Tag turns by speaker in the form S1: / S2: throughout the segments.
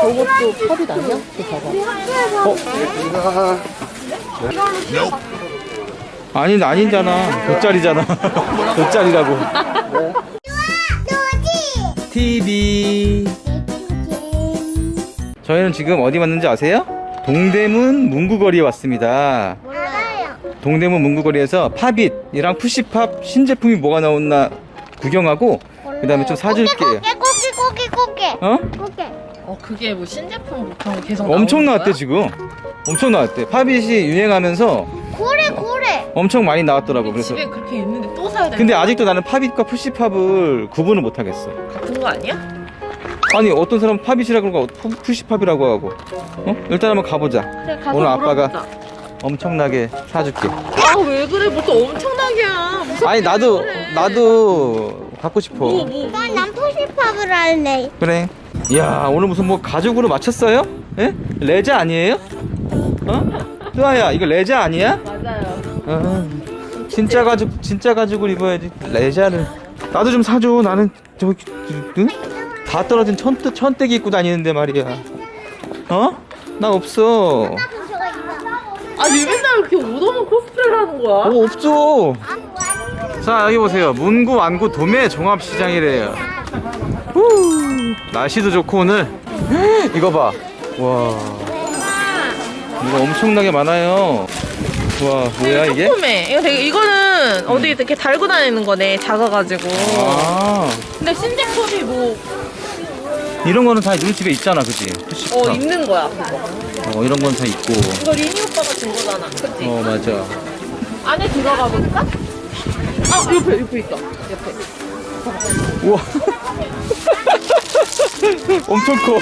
S1: 저것도 팝잇 아니야? 저 봐봐.
S2: 아니잖아. 돗자리잖아. 돗자리라고. TV. 저희는 지금 어디 왔는지 아세요? 동대문 문구거리에 왔습니다.
S3: 몰라요.
S2: 동대문 문구거리에서 팝잇이랑 푸시팝 신제품이 뭐가 나왔나 구경하고 그 다음에 좀 사줄게요.
S3: 꼬기.
S2: 어?
S3: 꼬기.
S1: 그게 뭐 신제품 보통 계속
S2: 엄청
S1: 나오는
S2: 나왔대
S1: 거야?
S2: 지금. 엄청 나왔대. 팝잇이 유행하면서
S3: 고래.
S2: 엄청 많이 나왔더라고. 그래서
S1: 집에 그렇게 있는데 또 사야 돼.
S2: 근데 아직도 나는 팝잇과 푸시팝을 구분을 못 하겠어.
S1: 같은 거 아니야?
S2: 아니 어떤 사람은 팝잇이라고 하고 푸시팝이라고 하고. 일단 한번 가보자.
S1: 그래 가서
S2: 오늘 아빠가
S1: 물어보자.
S2: 엄청나게 사줄게.
S1: 아 왜 그래? 뭐 또 엄청나게야. 무섭게
S2: 아니 나도
S1: 그래.
S2: 나도 갖고 싶어.
S1: 뭐.
S3: 난 푸시팝을 할래.
S2: 그래. 이야 오늘 무슨 뭐 가죽으로 맞췄어요? 예? 레자 아니에요? 뚜아야 이거 레자 아니야?
S1: 맞아요.
S2: 진짜 가죽을 입어야지. 레자를 나도 좀 사줘. 나는 저기 응? 다 떨어진 천떼기 입고 다니는데 말이야. 나 없어.
S1: 아니 맨날 이렇게 옷없는 코스프레를 하는 거야?
S2: 없어. 자 여기 보세요. 문구 완구 도매 종합시장이래요. 날씨도 좋고 오늘 이거 봐. 와 이거 엄청나게 많아요. 와 뭐야 이게?
S1: 조그매. 이거는 어디 이렇게 달고 다니는 거네. 작아가지고.
S2: 아
S1: 근데 신제품이 뭐
S2: 이런 거는 다 우리 집에 있잖아, 그지?
S1: 있는 거야. 그거.
S2: 이런 건 다 있고.
S1: 이거 리니 오빠가 준 거잖아. 그치?
S2: 맞아.
S1: 안에 들어가 볼까? 옆에 있다. 옆에.
S2: 우와. 엄청 커.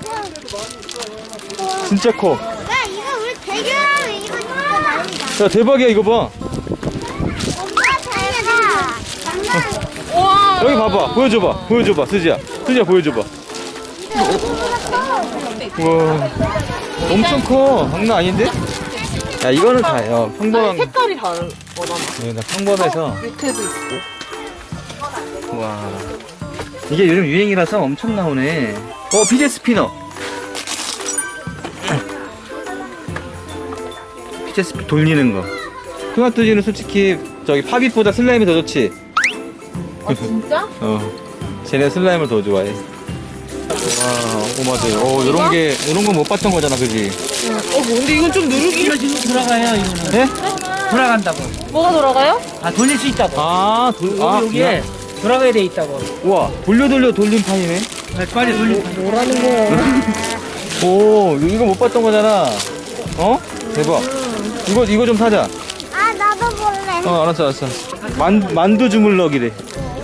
S2: 진짜 커.
S3: 야 이거 우리 대결하면 이거 진짜 난리다.
S2: 야 대박이야 이거 봐.
S3: 엄마 잘해라.
S1: 와.
S2: 여기 봐봐. 보여줘봐. 수지야 보여줘봐. 우와. 엄청 커. 장난 아닌데? 야 이거는 다요. 평범한.
S1: 색깔이 다른 거잖아.
S2: 나 평범해서.
S1: 밑에도 있고.
S2: 와. 이게 요즘 유행이라서 엄청 나오네. 피제 스피너. 피제 스피 돌리는 거. 토마토지는 솔직히 저기 팝잇보다 슬라임이 더 좋지.
S1: 아 진짜?
S2: 쟤네 슬라임을 더 좋아해. 와, 맞아요. 이런 거 못 봤던 거잖아, 그지?
S1: 근데 이건 좀 누르기.
S4: 이거 지금 돌아가요 이거는.
S2: 네?
S4: 돌아간다고.
S1: 뭐가 돌아가요?
S4: 돌릴 수 있다고. 여기에 돌아가야 돼 있다고.
S2: 우와, 돌려 돌림판이네.
S4: 빨리 돌릴.
S1: 뭐라는 거야?
S2: 오, 이거 못 봤던 거잖아. 대박. 이거 좀 사자.
S3: 아 나도 볼래.
S2: 알았어. 만두 주물럭이래.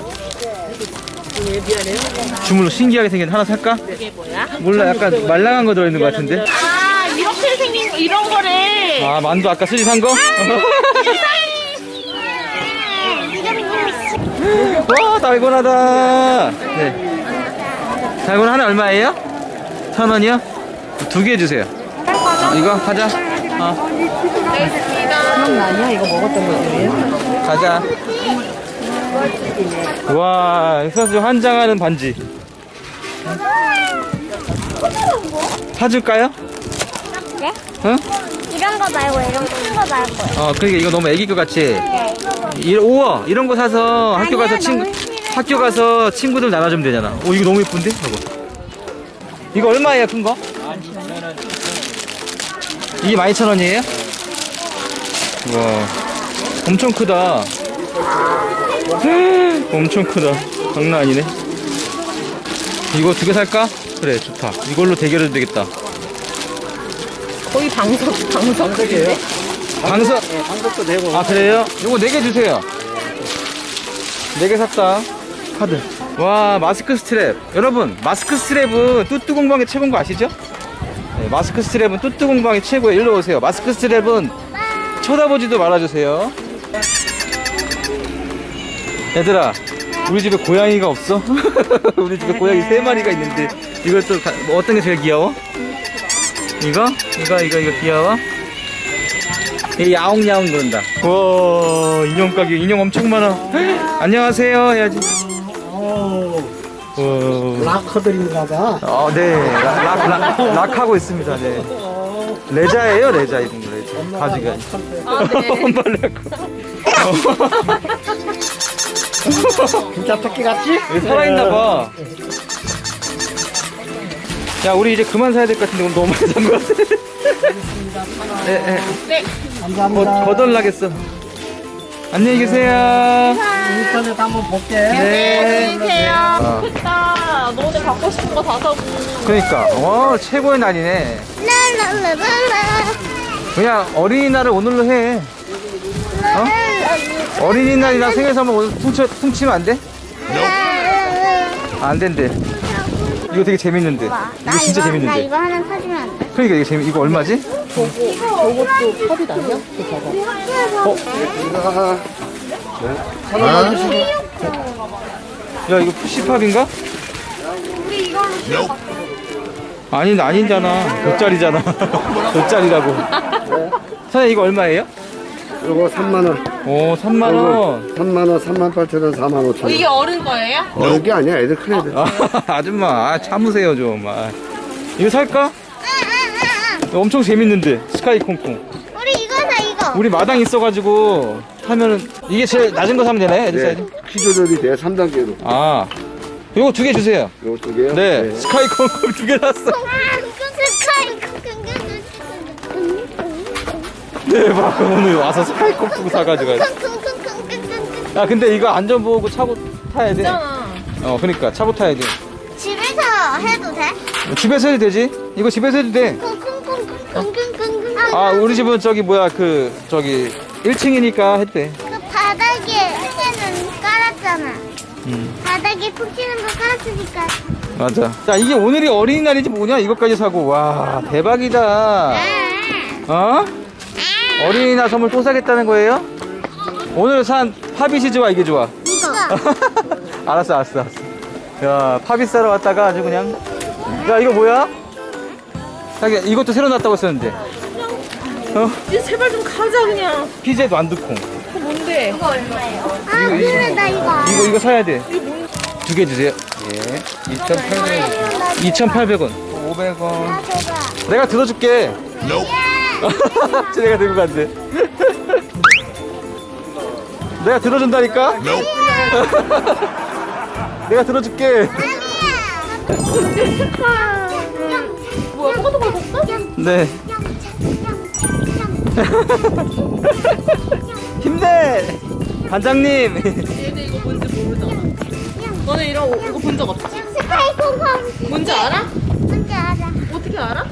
S2: 주물럭 신기하게 생긴 하나 살까?
S1: 이게 뭐야?
S2: 몰라, 약간 말랑한 거 들어있는 것 같은데?
S1: 아 이렇게 생긴 거 이런 거래.
S2: 만두 아까 수지 산 거? 와, 달고나다. 네. 달고나 하나 얼마예요? 1,000원이요? 2개 주세요. 이거 가자.
S1: 기억나냐? 이거 먹었던 거지.
S2: 가자. 와, 사실 환장하는 반지. 사줄까요?
S3: 네?
S2: 응?
S3: 이런 거 말고 이런 거 말고.
S2: 그러니까 이거 너무 애기 것 같이.
S3: 네.
S2: 우와, 이런 거 사서 학교 가서
S3: 아니야, 너무 싫어.
S2: 학교 가서 친구들 나눠주면 되잖아. 이거 너무 예쁜데? 이거 얼마예요, 큰 거? 이게 12,000원이에요? 와, 엄청 크다. 엄청 크다. 장난 아니네. 이거 2개 살까? 그래, 좋다. 이걸로 대결해도 되겠다.
S1: 거의 방석이에요?
S2: 방석?
S4: 네, 방석도 되고.
S2: 그래요? 요거 4개 주세요. 4개 샀다. 카드. 와, 마스크 스트랩. 여러분, 마스크 스트랩은 뚜뚜 공방의 최고인 거 아시죠? 네, 마스크 스트랩은 뚜뚜 공방의 최고예요. 일로 오세요. 마스크 스트랩은 쳐다보지도 말아주세요. 얘들아, 우리 집에 고양이가 없어? 우리 집에 고양이 3마리가 있는데 이것도 어떤 게 제일 귀여워? 이거 귀여워? 얘 야옹야옹 그런다. 와, 인형 가게 인형 엄청 많아. 안녕하세요 해야지.
S5: 락커들인가 봐.
S2: 네. 락하고 있습니다. 네. 레자예요, 레자 이런 거 레자. 가지가.
S1: 아, 네.
S2: 엄발레고.
S5: 진짜 토끼 같지?
S2: 여기 살아있나 봐. 야, 우리 이제 그만 사야 될 것 같은데 오늘 너무 많이 산 것 같아. 네.
S5: 감사합니다.
S2: 거덜나겠어. 안녕히 계세요.
S5: 인터넷 한번 볼게.
S2: 네.
S1: 안녕히 계세요.
S2: 아.
S1: 좋겠다. 너네 갖고 싶은 거 다 사고.
S2: 그러니까, 최고의 날이네.
S3: 랄랄랄랄라.
S2: 그냥 어린이날을 오늘로 해. 어린이날이랑 생일 선물 오늘 퉁치면 안 돼? 안 된대. 이거 되게 재밌는데. 이거 진짜
S3: 나
S2: 재밌는데.
S3: 이거 하나 사주면 안 돼?
S2: 그러니까 이거 얼마지?
S1: 저것도 컵이 나냐?
S2: 야, 이거 푸시팝인가? 아니잖아. 돗자리잖아. 돗자리라고. 사장님, 이거 얼마예요?
S5: 이거 3만원.
S2: 오, 3만원.
S5: 3만원, 38,000원, 45,000원.
S1: 이게 어른 거예요?
S5: 어른 게 아니야. 애들 큰 애들.
S2: 아줌마, 참으세요, 좀. 이거 살까? 이거 엄청 재밌는데. 스카이 콩콩.
S3: 우리 이거 사 이거.
S2: 우리 마당 있어가지고 하면은 이게 제일 낮은 거 사면 되네, 애들 사이즈.
S5: 키 조절이 돼. 3단계로.
S2: 아, 이거 2개 주세요.
S5: 요거 두 개요?
S2: 네, 스카이 콩콩 2개 샀어. 대박. 오늘 와서 스카이 콩콩 사가지고. 야, 근데 이거 안전보호구 차고 타야 돼.
S1: 있잖아.
S2: 그러니까 차고 타야 돼.
S3: 집에서 해도 돼?
S2: 집에서 해도 되지? 이거 집에서 해도 돼. 아, 우리 집은 저기 1층이니까 해도 돼.
S3: 그 바닥에 는 깔았잖아. 바닥에 푹 튀는 거 깔았으니까.
S2: 맞아. 자, 이게 오늘이 어린이날이지 뭐냐? 이것까지 사고. 와, 대박이다. 어? 어린이날 선물 또 사겠다는 거예요? 오늘 산 팝잇이 좋아, 이게 좋아?
S3: 이거.
S2: 알았어. 야, 팝잇 사러 왔다가 아주 그냥. 야, 이거 뭐야? 자기 이것도 새로 났다고 했었는데.
S1: 이제 제발 좀 가자 그냥.
S2: 피제 완두콩.
S1: 그거 뭔데?
S3: 아, 그래, 나 이거.
S2: 이거 사야 돼. 2개 주세요. 예. 2,800원. 500원.
S3: 아, 줘봐.
S2: 내가 들어줄게. 내가 들고 간대. 내가 들어준다니까? 내가 들어줄게.
S1: 뭐야, 똑같은 걸 샀어?
S2: 네. 힘내! 반장님!
S1: 얘들 이거 뭔지 모르잖아. 너네 이거 본 적 없지?
S3: 스카이 콩콩.
S1: 뭔지 알아?
S3: 뭔지 알아?
S1: 어떻게 알아?